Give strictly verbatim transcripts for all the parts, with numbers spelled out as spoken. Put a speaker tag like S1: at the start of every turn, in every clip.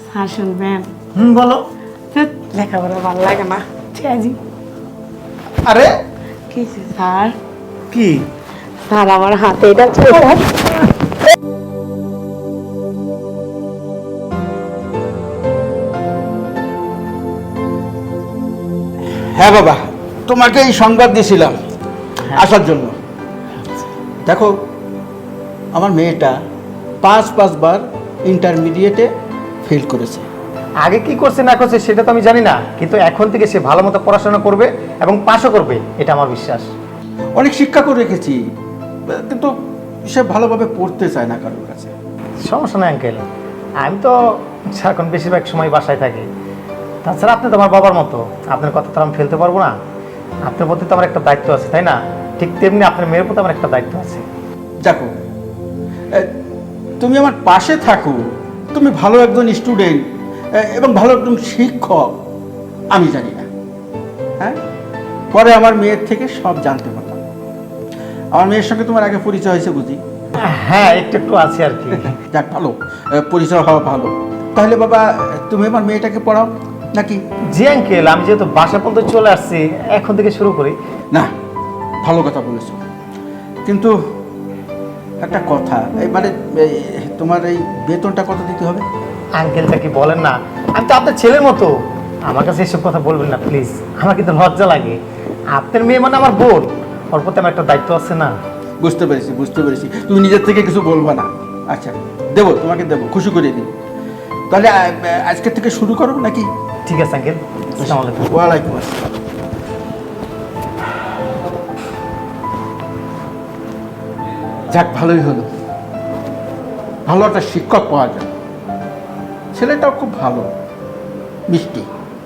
S1: হ্যাঁ শুনবেন।
S2: হুম বলো।
S1: লেখাপড়া ভালো লাগে না জি।
S2: আরে
S1: কি স্যার?
S2: কি
S1: স্যার আমার হাতে এটা ছিল।
S3: হ্যাঁ বাবা, তোমাকে এই সংবাদ দিয়েছিলাম আসার জন্য। দেখো, আমার মেয়েটা পাঁচ পাঁচবার ইন্টারমিডিয়েটে ফেল করেছে।
S2: আগে কি করছে না করছে সেটা তো আমি জানি না, কিন্তু এখন থেকে সে ভালো মতো পড়াশোনা করবে এবং পাশও করবে, এটা আমার বিশ্বাস।
S3: অনেক শিক্ষা করে রেখেছি, কিন্তু সে ভালোভাবে পড়তে চায় না কারোর কাছে।
S2: সমস্যা নেই আঙ্কেল, আমি তো এখন বেশিরভাগ সময় বাসায় থাকি। তাছাড়া আপনি তো আমার বাবার মতো, আপনার কথা তো আমি ফেলতে পারবো না। আপনার প্রতি তো আমার একটা দায়িত্ব আছে, তাই না? ঠিক তেমনি আপনার মেয়ের প্রতি আমার একটা দায়িত্ব আছে।
S3: দেখো, তুমি আমার পাশে থাকো, তুমি ভালো একজন স্টুডেন্ট এবং ভালো একজন শিক্ষক, আমি জানি না। হ্যাঁ, পরে আমার মেয়ের থেকে সব জানতে পারলাম। আমার মেয়ের সঙ্গে তোমার আগে পরিচয় হয়েছে বুঝি?
S2: হ্যাঁ, একটু একটু আছে আর কি।
S3: যাক, ভালো, পরিচয় হওয়া ভালো। তাহলে বাবা, তুমি আমার মেয়েটাকে পড়াও নাকি?
S2: জি আঙ্কেল, আমি যেহেতু বাসা পর্যন্ত চলে আসছি, এখন থেকে শুরু করি।
S3: না, ভালো কথা বলেছো, কিন্তু একটা কথা, এই মানে তোমার এই বেতনটা কত দিতে হবে?
S2: আঙ্কেলটা কি বলেন না, আমি তো আপনার ছেলের মতো, আমার কাছে এসব কথা বলবেন না প্লিজ। আমার কিন্তু লজ্জা লাগে। আপনার মেয়ে মানে আমার বোন, ওর প্রতি আমার একটা দায়িত্ব আছে না।
S3: বুঝতে পেরেছি বুঝতে পেরেছি তুমি নিজের থেকে কিছু বলবা না। আচ্ছা, দেবো, তোমাকে দেবো, খুশি করে দিই। তাহলে আজকের থেকে শুরু করো নাকি?
S2: ঠিক আছে আঙ্কেল। আসসালামু আলাইকুম।
S3: ওয়ালাইকুম আসসালাম। যাক, ভালোই হলো, ভালো একটা শিক্ষক পাওয়া যায়। ছেলেটাও খুব ভালো, মিষ্টি।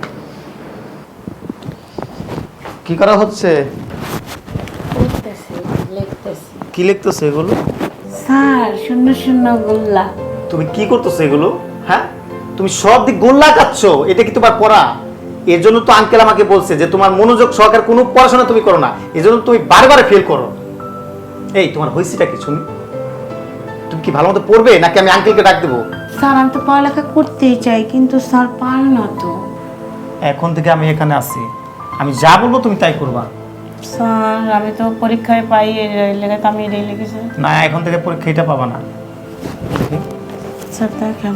S2: কি করা হচ্ছে?
S1: লিখতেছি লিখতেছি।
S2: কি লিখতেছো এগুলো?
S1: স্যার শূন্য শূন্য গোল্লা।
S2: তুমি কি করতেছো এগুলো? হ্যাঁ, তুমি সব দিক গোল্লা কাচ্ছ, এটা কি তোমার পড়া? এর জন্য তো আঙ্কেল আমাকে বলছে যে তোমার মনোযোগ সহকারে কোনো পড়াশোনা তুমি করো না, এজন্য তুমি বারবার ফেল করো। এই তোমার হইছিটা কি শুনি? তুমি কি ভালো মতো পড়বে নাকি আমি আঙ্কেলকে ডাক দেবো?
S1: স্যার আমি তো পড়ালেখা করতেই চাই, কিন্তু স্যার পারে না তো।
S2: এখন থেকে আমি এখানে আছি, আমি যা বলবো তুমি তাই করবা।
S1: স্যার আমি তো পরীক্ষায় পাই এই লেখা, তো আমি এটাই লিখেছি।
S2: না, এখন থেকে পরীক্ষা এটা পাবা না।
S1: স্যার দেখেন,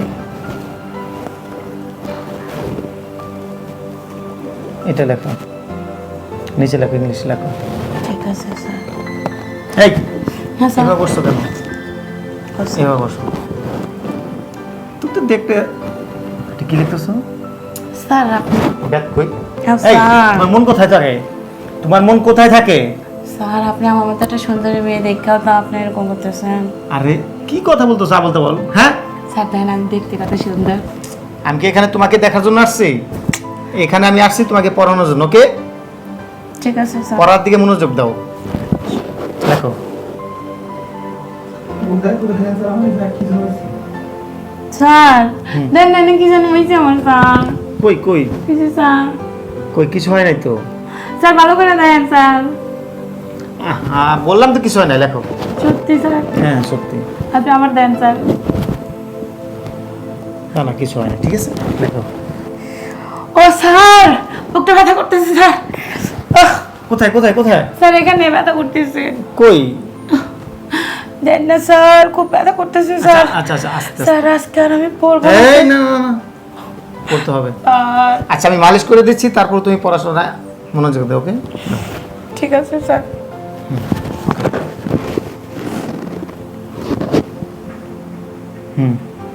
S2: এটা লেখো, নিচে লেখো, ইংলিশ লেখো।
S1: ঠিক আছে স্যার।
S2: এই
S1: হ্যাঁ স্যার।
S2: এবার বসছো কেন?
S1: বসো।
S2: এবার বসো। তুই তো দেখতে কি লিখতেছো?
S1: স্যার আপনি
S2: ব্যাগ কই?
S1: হ্যাঁ
S2: এই
S1: স্যার।
S2: তোমার মন কোথায় থাকে? তোমার মন কোথায় থাকে?
S1: স্যার আপনি আমার মতো একটা সুন্দরী মেয়ে দেখাও তো আপনি এরকম করতেছেন।
S2: আরে কি কথা বলতেছো, যা বলতে বল। হ্যাঁ,
S1: স্যার দেখেন আমি দেখতে কত সুন্দর।
S2: আমি কি এখানে তোমাকে দেখার জন্য আসছি? এখানে আমি আসছি তোমাকে পড়ানোর জন্য। ওকে,
S1: ঠিক আছে স্যার।
S2: পড়ার দিকে মনোযোগ দাও। দেখো,
S1: স্যার দেন না কি জানো হয়েছে আমার স্যার।
S2: কই কই
S1: কিছু স্যার।
S2: কই কিছু হয় নাই তো।
S1: স্যার ভালো করে দেন স্যার।
S2: হ্যাঁ, বললাম তো কিছু হয় নাই, লেখো।
S1: সত্যি স্যার?
S2: হ্যাঁ সত্যি।
S1: আপনি আমার দেন স্যার।
S2: না না, কিছু হয় না, ঠিক আছে, লেখো।
S1: ও স্যার বুকটা ব্যথা করতেছে স্যার। আহ,
S2: কোথায় কোথায় কোথায়?
S1: স্যার এখানে ব্যথা করতেছে।
S2: কই?
S1: দেন না স্যার, খুব ব্যথা করতেছে স্যার।
S2: আচ্ছা আচ্ছা, আস্তে
S1: স্যার আজকে আর আমি পড়বো
S2: আস্তে।
S1: না
S2: এই না না না, পড়তে হবে।
S1: স্যার।
S2: আচ্ছা, আমি মালিশ করে দিচ্ছি, তারপর তুমি পড়াশোনা মনোযোগ দাও। ওকে,
S1: ঠিক আছে স্যার।
S2: হুম।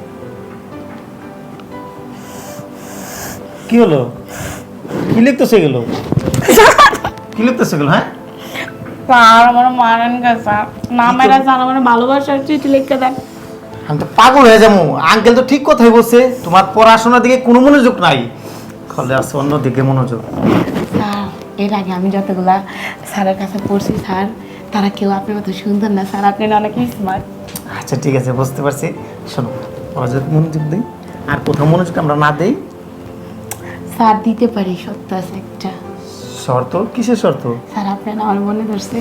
S2: কি হলো? কি লিখতেছে এগুলো? কি লিখতেছে এগুলো? হ্যাঁ
S1: স্যার আমার মারেন গা স্যার, না মেরা স্যার আমার ভালোবাসার চিঠি লিখে দেন।
S2: আমি তো পাগল হয়ে যাবো। আঙ্কেল তো ঠিক কথাই বলছে, তোমার পড়াশোনার দিকে কোনো মনোযোগ নাই, ফলে আছে অন্য দিকে মনোযোগ।
S1: স্যার এর আগে আমি যতগুলা স্যারের কাছে পড়ছি স্যার, তারা কেউ আপনার মতো সুন্দর না স্যার, আপনি না অনেক স্মার্ট।
S2: আচ্ছা ঠিক আছে, বুঝতে পারছি। শোনো, পড়াশোনার মনোযোগ দিই, আর কোথাও মনোযোগ আমরা না দেই।
S1: স্যার দিতে পারি, সত্য আছে একটা
S2: শর্ত? কিসের শর্ত?
S1: স্যার আপনার আমার মনে ধরছে।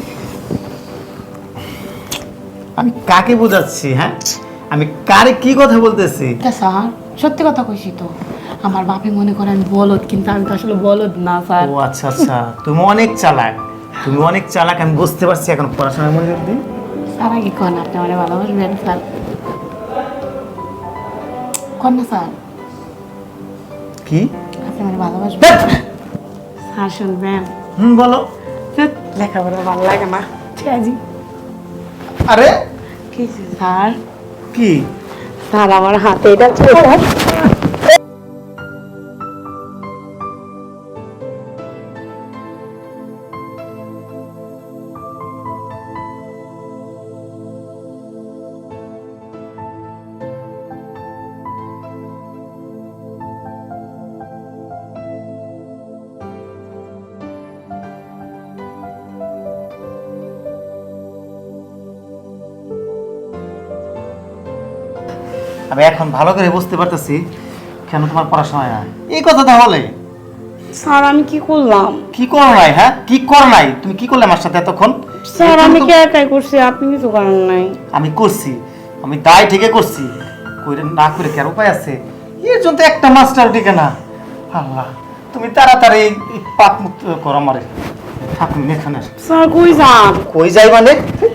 S2: আমি কাকে বোঝাচ্ছি? হ্যাঁ, আমি কারে কি কথা বলতেছি?
S1: স্যার সত্যি কথা কইছি তো। আমার বাপে মনে করে আমি বলদ, কিন্তু আমি তো আসলে বলদ না স্যার।
S2: ও আচ্ছা আচ্ছা, তুমি অনেক চালাক, তুমি অনেক চালাক, আমি বুঝতে পারছি। এখন পড়াশোনায় মনোযোগ দিন।
S1: স্যার আগে কন আপনি আমার ভালোবাসবেন স্যার? কন না স্যার,
S2: কি?
S1: আপনি আমার ভালোবাসবেন? স্যার শুনবেন?
S2: হুম বলো।
S1: ধ্যাৎ, লেখাপড়া ভালো লাগে না জি।
S2: আরে
S1: কি স্যার?
S2: কি?
S1: স্যার আমার হাতে এটা ছিল স্যার।
S2: আমি এখন ভালো করে বুঝতে পারতেছি কেন তোমার পড়াশোনা হয় না। এই কথা তাহলে
S1: স্যার আমি কি করলাম?
S2: কি করো নাই? হ্যাঁ কি করো নাই? তুমি কি করলে আমার সাথে এতক্ষণ?
S1: স্যার
S2: এতক্ষণ
S1: আমি
S2: তো-
S1: কি একাই করছি, আপনি কিছু করেন নাই।
S2: আমি করছি, আমি দায় থেকে করছি, কইরে না করে কি আর উপায় আছে? এর জন্য তো একটা মাস্টার টিকে না। আল্লাহ, তুমি তাড়াতাড়ি এই এই পাপ মুক্ত করো আমারে। থাকুন এখানে।
S1: স্যার কই যান?
S2: কই যাই মানে?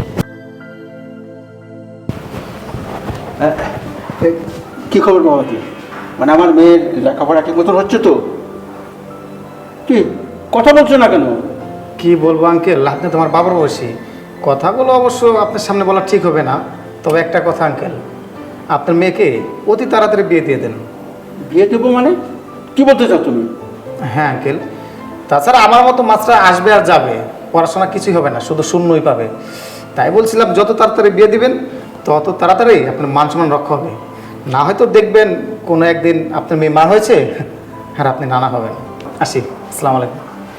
S3: এ, কি খবর বাবা কি? মানে আমার মেয়ের লেখাপড়া ঠিক মতন হচ্ছে তো? কি কথা বলছো না কেন?
S2: কি বলবো আঙ্কেল, আপনি তোমার বাবার বয়সী, কথাগুলো অবশ্য আপনার সামনে বলা ঠিক হবে না। তবে একটা কথা আঙ্কেল, আপনার মেয়েকে অতি তাড়াতাড়ি বিয়ে দিয়ে দেন।
S3: বিয়ে দেবো মানে? কি বলতে চাও তুমি?
S2: হ্যাঁ আঙ্কেল, তাছাড়া আমার মতো মাছরা আসবে আর যাবে, পড়াশোনা কিছুই হবে না, শুধু শূন্যই পাবে। তাই বলছিলাম যত তাড়াতাড়ি বিয়ে দিবেন তত তাড়াতাড়ি আপনার মান সম্মান রক্ষা হবে। না হয়তো দেখবেন কোনো একদিন আপনার মেয়ে মা হয়েছে আর আপনি নানা হবেন। আসি, আসসালামু আলাইকুম।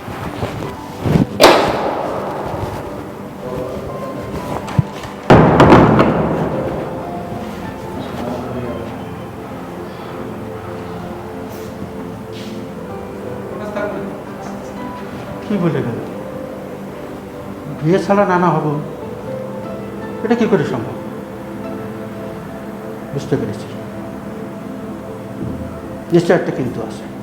S3: কি বলে গেল? বিয়ে ছাড়া নানা হব, এটা কি করে সম্ভব? বুঝতে পেরেছি, নিশ্চয় একটা কিন্তু আছে।